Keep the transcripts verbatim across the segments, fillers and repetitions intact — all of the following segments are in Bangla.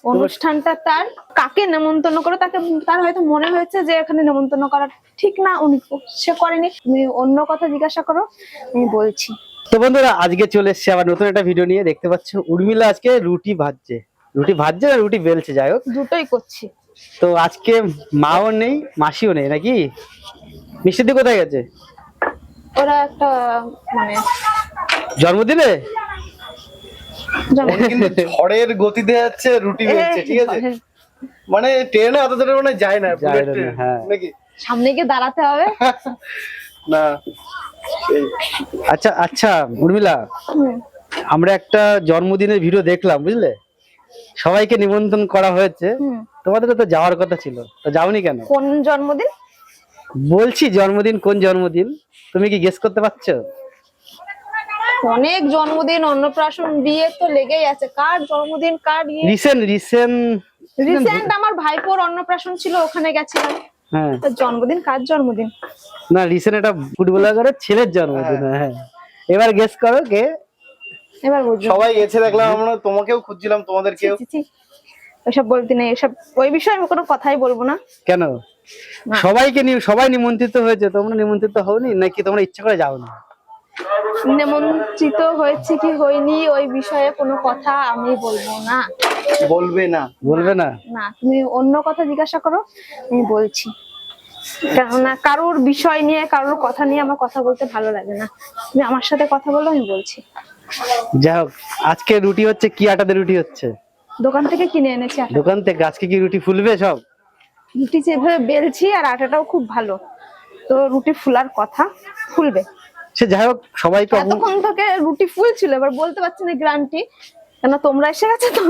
অনুষ্ঠানটা তার কাকে নেমন্তন্ন করে তাকে তার হয়তো মনে হয়েছে যে এখানে নেমন্তন্ন করা ঠিক না, উনি সে করেনি। তুমি অন্য কথা জিজ্ঞাসা করো, আমি বলছি। তো বন্ধুরা আজকে চলে এসেছে আবার নতুন একটা ভিডিও নিয়ে। দেখতে পাচ্ছ উর্মিলা আজকে রুটি ভাজছে, রুটি ভাজছে না রুটি বেলছে, যাই হোক দুটোই করছি। তো আজকে মাও নেই মাসিও নেই নাকি? মিষ্টি দি কোথায় গেছে? ওরা একটা মানে জন্মদিনে কিন্তু ঝড়ের গতিতে যাচ্ছে, রুটি বেলছে, ঠিক আছে? মানে ট্রেনে অত দূরে মানে যায় না, বুলেট ট্রেন নাকি? সামনে গিয়ে দাঁড়াতে হবে না। আচ্ছা আচ্ছা উর্মিলা, আমরা একটা জন্মদিনের ভিডিও দেখলাম বুঝলে, সবাইকে নিমন্ত্রণ করা হয়েছে, তোমাদের তো যাওয়ার কথা ছিল, তো যাওনি কেন? কোন জন্মদিন বলছি? জন্মদিন কোন জন্মদিন তুমি কি গেস করতে পারছো? অনেক জন্মদিন, অন্নপ্রাশন, বিয়ে তো লেগেই আছে। কার জন্মদিন কার রিসেন্ট রিসেন্ট রিসেন্ট আমার ভাইপোর অন্নপ্রাশন ছিল, ওখানে গেছিলাম। হ্যাঁ, তো জন্মদিন কার জন্মদিন? না রিসেন্ট একটা ফুটবলারের ছেলের জন্মদিন। হ্যাঁ, এবার গেস করো কে? এবার বুঝছো? সবাই গেছে দেখলাম, আমরা তোমাকেও খুঁজছিলাম, তোমাদেরকেও। ওইসব বলতে নেই, এসব ওই বিষয়ে আমি কোনো কথাই বলবো না। কেন? সবাইকে নিয়ে সবাই নিমন্ত্রিত হয়েছে, তোমরা নিমন্ত্রিত হওনি নাকি তোমরা ইচ্ছা করে যাও না? নিমন্ত্রিত হয়েছে কি হয়নি ওই বিষয়ে কোনো কথা আমি বলবো না। বলবে না? বলবে না? না, তুমি অন্য কথা জিজ্ঞাসা করো, আমি বলছি। কেননা কারোর বিষয় নিয়ে কারোর কথা নিয়ে আমার কথা বলতে ভালো লাগে না। তুমি আমার সাথে কথা বলো, আমি বলছি। যাই হোক, আজকে রুটি হচ্ছে কি আটাতে রুটি হচ্ছে? দোকান থেকে কিনে এনেছি আটা। দোকান থেকে? আজকে কি রুটি ফুলবে সব? রুটি যেভাবে বেলছি আর আটাটাও খুব ভালো, তো রুটি ফুলার কথা, ফুলবে। সে যাই হোক, সবাই তো এতক্ষণ থেকে রুটি ফুলছিল, এবার বলতে পারছি না গ্যারান্টি, কেন তোমরা এসে গেছে তো।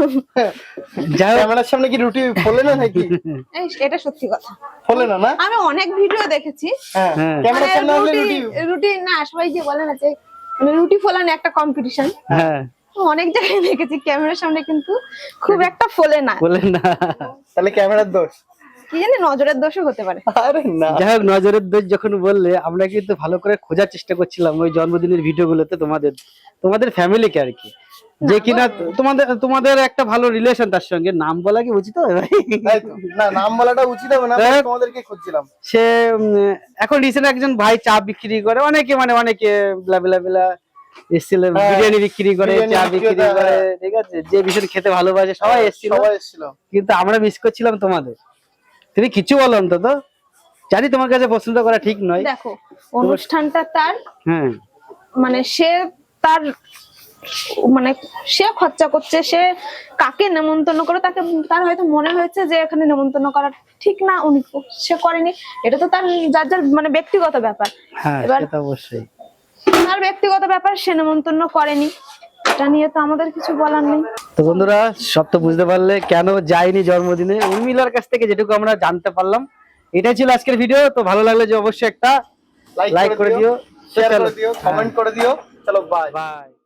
যাই হোক, ক্যামেরার সামনে কি রুটি ফোলে না নাকি? এই এটা সত্যি কথা, ফোলে না? না, আমি অনেক ভিডিও দেখেছি। হ্যাঁ, হ্যাঁ। ক্যামেরার মানে সামনে আসলে রুটি রুটি রুটি না, সবাই যে বলে না যে মানে রুটি ফোলানো একটা কম্পিটিশন, হ্যাঁ অনেক জায়গায় দেখেছি ক্যামেরার সামনে কিন্তু খুব একটা ফোলে না। বলেন না, তাহলে ক্যামেরার দোষ? কি জানি, নজরের দোষও হতে পারে। আরে না। যাই হোক, নজরের দোষ যখন বললে, আমরা কিন্তু ভালো করে খোঁজার চেষ্টা করছিলাম ওই জন্মদিনের ভিডিও গুলোতে, তোমাদের তোমাদের ফ্যামিলিকে আর কি, যে কিনা তোমাদের তোমাদের একটা ভালো রিলেশন, তার সঙ্গে নাম বলা কি উচিত হবে ভাই? তাই তো। না, নাম বলাটা উচিত হবে না, তোমাদেরকে খুঁজছিলাম। সে উম, এখন রিসেন্ট একজন ভাই চা বিক্রি করে, অনেকে মানে অনেকে ব্লা ব্লা ব্লা এসেছিল, বিরিয়ানি বিক্রি করে, চা বিক্রি করে, ঠিক আছে, যে ভীষণ খেতে ভালোবাসে, সবাই এসেছিল, সবাই এসেছিল, কিন্তু আমরা মিস করছিলাম তোমাদের। তুমি কিছু বলো অন্তত, জানি তোমার কাছে পছন্দ করা ঠিক নয়। দেখো, অনুষ্ঠানটা তার, হ্যাঁ মানে সে তার মানে সে খরচা করছে, সে কাকে নেমন্তন্ন করে তাকে তার হয়তো মনে হয়েছে যে এখানে নেমন্তন্ন করা ঠিক না, উনি সে করেনি। এটা তো তার যার যার মানে ব্যক্তিগত ব্যাপার। হ্যাঁ, এবার সেটা অবশ্যই তার ব্যক্তিগত ব্যাপার, সে নেমন্তন্ন করেনি, এটা নিয়ে তো আমাদের কিছু বলার নেই। তো বন্ধুরা, সব তো বুঝতে পারলে কেন যায়নি জন্মদিনে। উর্মিলার কাছ থেকে যেটুকু আমরা জানতে পারলাম, এটাই ছিল আজকের ভিডিও। তো ভালো লাগলে যে অবশ্যই একটা লাইক করে দিও, শেয়ার করে দিও, কমেন্ট করে দিও। চলো বাই বাই।